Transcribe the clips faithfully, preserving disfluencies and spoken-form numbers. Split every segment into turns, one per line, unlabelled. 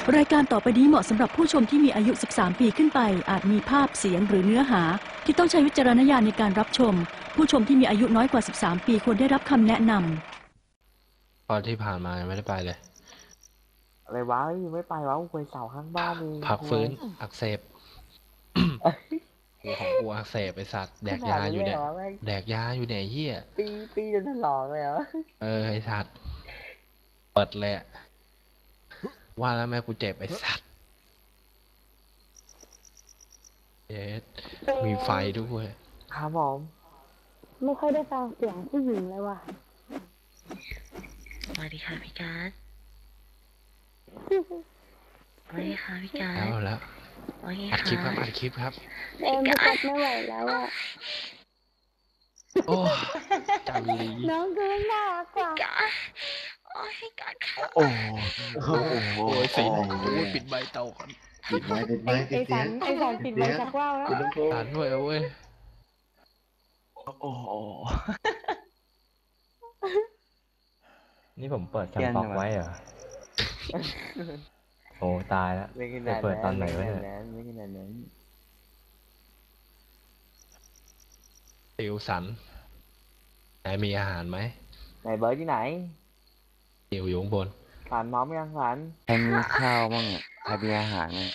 รายการต่อไปนี้เหมาะสำหรับผู้ชมที่มีอายุสิบสามปีขึ้นไปอาจมีภาพเสียงหรือเนื้อหาที่ต้องใช้วิจารณญาณในการรับชมผู้ชมที่มีอายุน้อยกว่าสิบสามปีควรได้รับคำแนะน
ำตอนที่ผ่านมายังไม่ได้ไปเลย
อะไรวะยังไม่ไปวะกูไปเสาข้างบ้านเอง
พักฟื้นอักเสบหัวของกูอักเสบไอสัตว์แดกยาอยู่เนี่ยแดกยาอยู่เนี่ยเฮีย
ปีปีจนถลอกเลยเหรอ
เออไอสัตว์เปิดเลยว่าแล้วแม่กูเจ็บไอสัตว์เอ๊ะมีไฟด้วย
ครับผม
ไม่ค่อยได้ฟังเสียงผู้หญิงเลยว่ะ
สวัสดีค่ะพี่การ์ดสวัสดีค่ะพี่การ์ด
แล้วแล้วอัดคลิปครับอัดคลิปครับ
เอ็มพี่การ์ดไม่ไหวแล้วอ่ะ
โอ้จังลี
น้องก็น่ารักกว่า
โอ้ยพี่การ์ดค่ะ
โอ้โหโอ้ยสีปิดใบเตาก่อน
ปิดไม้ปิดไม้ปิดเสียง
ไอ้สารปิดไม้จากว่าวแล้ว
สารด้วยเว้ย
โอ้โหนี่ผมเปิดแคมป์บ็อกไว้เหรอโอ้ตายแล้วจะเปิดตอนไหนวะเนี่ย
ไม่ขนาดนั้น
ติวสันไหนมีอาหารไหม
ไหนเบิร์ดที่ไหน
ติวอยู่ข้างบน
สันพร้อมยังสัน
ใครมีข้าวบ้างอ่ะใครมีอาหารอ่ะ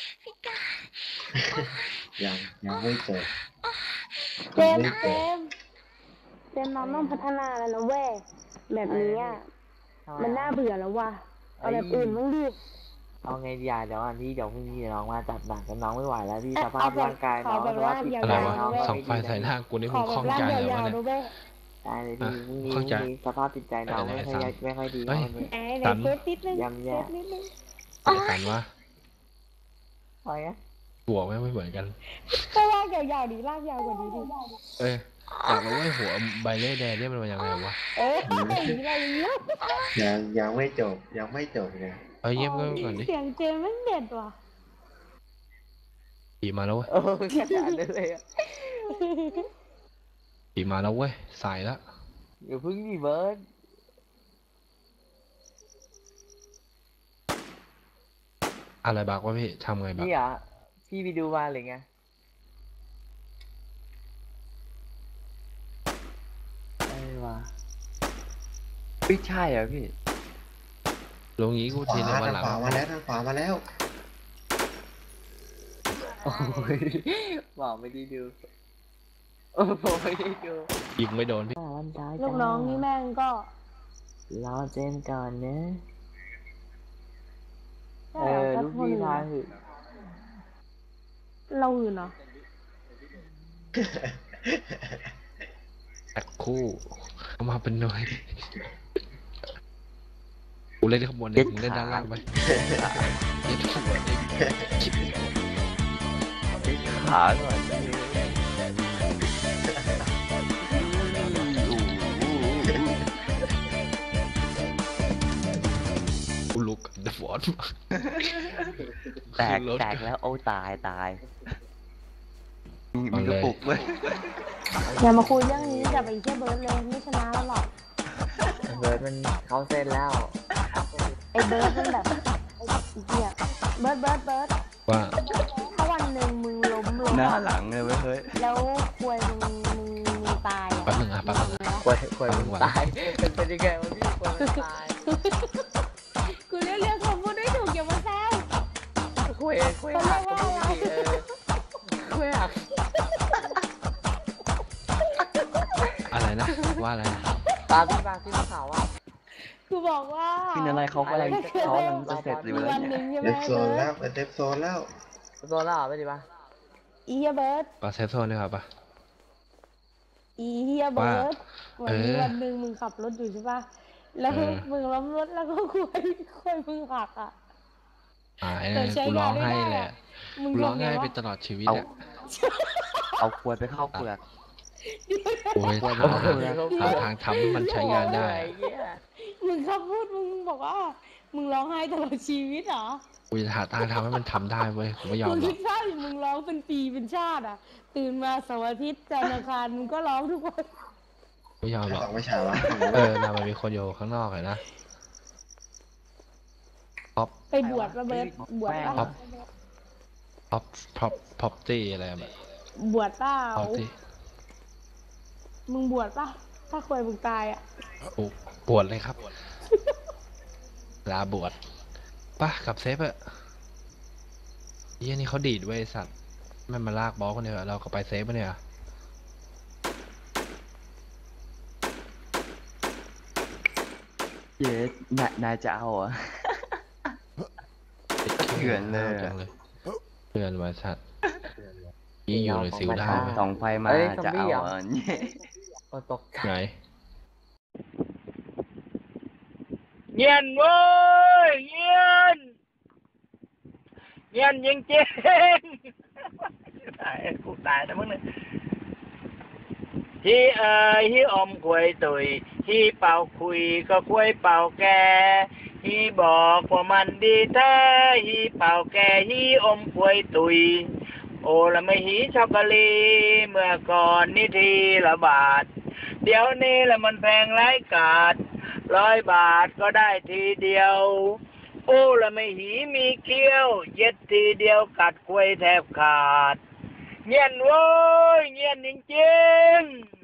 ยังยังไม่เจอ
เจมเจมเจมน้องต้องพัฒนาแล้วนะเว้ยแบบนี้อ่ะมันน่าเบื่อแล้วว่ะเอาแบบอื่นบ้างดิ
เอาไงดีอ่ะเดี๋ยววันที่เดี๋ยวพรุ่งนี้น้องมาจัดหนักกันน้องไม่ไหวแล้วที่สภาพร่างกายน้องสภาพจิตใจน้อง
ส่องไฟใส่หน้ากูนี่มึงคล่องใจเลยวะเนี่ย
ได้เลยพี่พรุ่งนี้พรุ่งนี้สภาพจิตใจน้องไม่ค่อยไม่ค่อยดีวันนี้
สัน
ยำแย่
สันวะ
อะไรอ่ะ
หัวไม่ไม่เหมือนกัน
ก็ลากยาวๆดีลากยาวกว่านี้ดิ
เอ้ยอยากรู้ว่าหัวใบเล่แดงเนี่ยมันเป็นยังไงวะ
เอ้ยอะไรเงี้ย
ยังยังไม่จบยังไม่จบเลย
เอาเยี่ยมก็ก่อนดิ
เสียงเจมมันเด็ดว่ะ
ขี่มาแล้วเว้ย
เออแค่นั้นเลยอ่ะ
ขี่มาแล้วเว้ยใส่แล้ว
อย่าพึ่งดิเบิร์ด
อะไรบักวะพี่ทำไงบัก
นี่อ่ะพี่ไปดูมาเลยไงไอ้วะ
ไม่ใช่เหรอพี่
ลงงี้กูทีในวันหลัง
ขวามาแล้วทางขวามาแล้ว
โอ้ยบอกไม่ได้ดูโอ้ไม่ได้ดู
ยิงไม่โดนพี่
ลูกน้องนี่แม่งก็
รอเจนก่อนนะเออลูกพี่ทายหือ
เราหื่นเหรอ
ตัดคู่เอามาเป็นหน่วยกูเล่นข้างบนเองมึงเล่นด้านล่างไปเล่นข้างบนเองคิด
ขาหน่อย
กูลุกเดฟอร์ด
แตกแตกแล้วโอ้ตายตายมีกระปุกเลย
อย่ามาคุยเรื่องนี้กับไอ้เจ้าเบิร์ดเลยไม่ชนะแล้วหรอก
เบิร์ดมันเข้าเส้นแล้ว
ไอ้เบิร์ดมันแบบไอ้เหี้ยเบิร์ดเบิร์ดเบิร์ด
ว่า
ถ้าวันหนึ่งมึงล้มลง
หน้าหลังเลยเว้ยเฮ้ย
แล้วควยมึงมึงมึงตายอ่ะ
แป๊บนึงอ่ะแป๊บนึงอ่ะ
ควยควยมึงตายเป็นไปได้ไงวะพี่ควยมึงตาย
กูเรียกเรียกคำพูดได้ถูกอย่ามาแซว
ควยควยหักควยหัก
อะไรนะว่าอะไร
ตาพี่บางที่เขาอ่ะ
คือบอกว่า
พี่อะไรเขากำลังเขากำลังจะเสร็จอยู่แล้ว
เนี่ยเดฟโซนแล้วเดฟโซนแล้ว
โซนแล้วไปดิป่ะ
อีเฮียเบิร์ด
ปาเซฟโซนนี่ครับป่ะ
อีเฮียเบิร์ดวันนี้วันหนึ่งมึงขับรถอยู่ใช่ป่ะแล้วมึงล้มรถแล้วก็คุยคุยมึงหักอ่ะ
อ่าไอ้นั่นกูร้องให้แหละกูร้องให้ไปตลอดชีวิตอ่ะ
เอาขวดไปเข้าเปลือก
โอ้ยหาทางทำให้มันใช้งานได้
มึงขับพูดมึงบอกว่ามึงร้องไห้ตลอดชีวิตเหรอ
กูจะหาทางทำให้มันทำได้เว้ยกูไม่ยอมหรอกมึง
คิดว่ามึงร้องเป็นปีเป็นชาติอ่ะตื่นมาเสาร์อาทิตย์จันทร์อังคารมึงก็ร้องทุกวัน
ไม่ยอมหรอก
ไม่ใช่วะ
เออนามันมีคนอยู่ข้างนอกเลยนะพ็อป
ไปบวชระเบิดบวชป่ะ
พ็อปพ็อปพ็อปตี้อะไรแบบ
บวชเปล่า
พ็อปตี้
มึงบวชป่ะถ้าควายมึงตายอ่ะ
บวชเลยครับ ลาบวชป่ะกับเซฟอะเยี่ยนี่เขาดีดเว้ยสัตว์ไม่มาลากบอลคนเดียวเราก็ไปเซฟปะเนี่ย
เย้นายนายจะเอาเหรอ่ะ เถื่อนเลยอะ
จังเลยเถื่อนว่ะสัตว์ยี่อยู่ในซิลได้ไหม
สองไฟมา
เอ้ย
จะเอา
ซอมบี้เหรอ
เหรอเนี่ย
โอ้ตกใจ
ไหน
เงียนเว้ยเงียนเงียนจริงจริงตายกูตายนะมึงเนี่ยที่เอ่ยที่อมควยตุยที่เป่าคุยก็ควยเป่าแกที่บอกว่ามันดีแท้ที่เป่าแกที่อมควยตุยโอ้ละไม่หีช็อกโกแลตเมื่อก่อนนี่ทีละบาทเดี๋ยวนี้ละมันแพงไร้กาดร้อยบาทก็ได้ทีเดียวโอ้ละไม่หีมีเกี้ยวเย็ดทีเดียวกัดควยแทบขาดเงียนโว้ยเงียนจริงๆ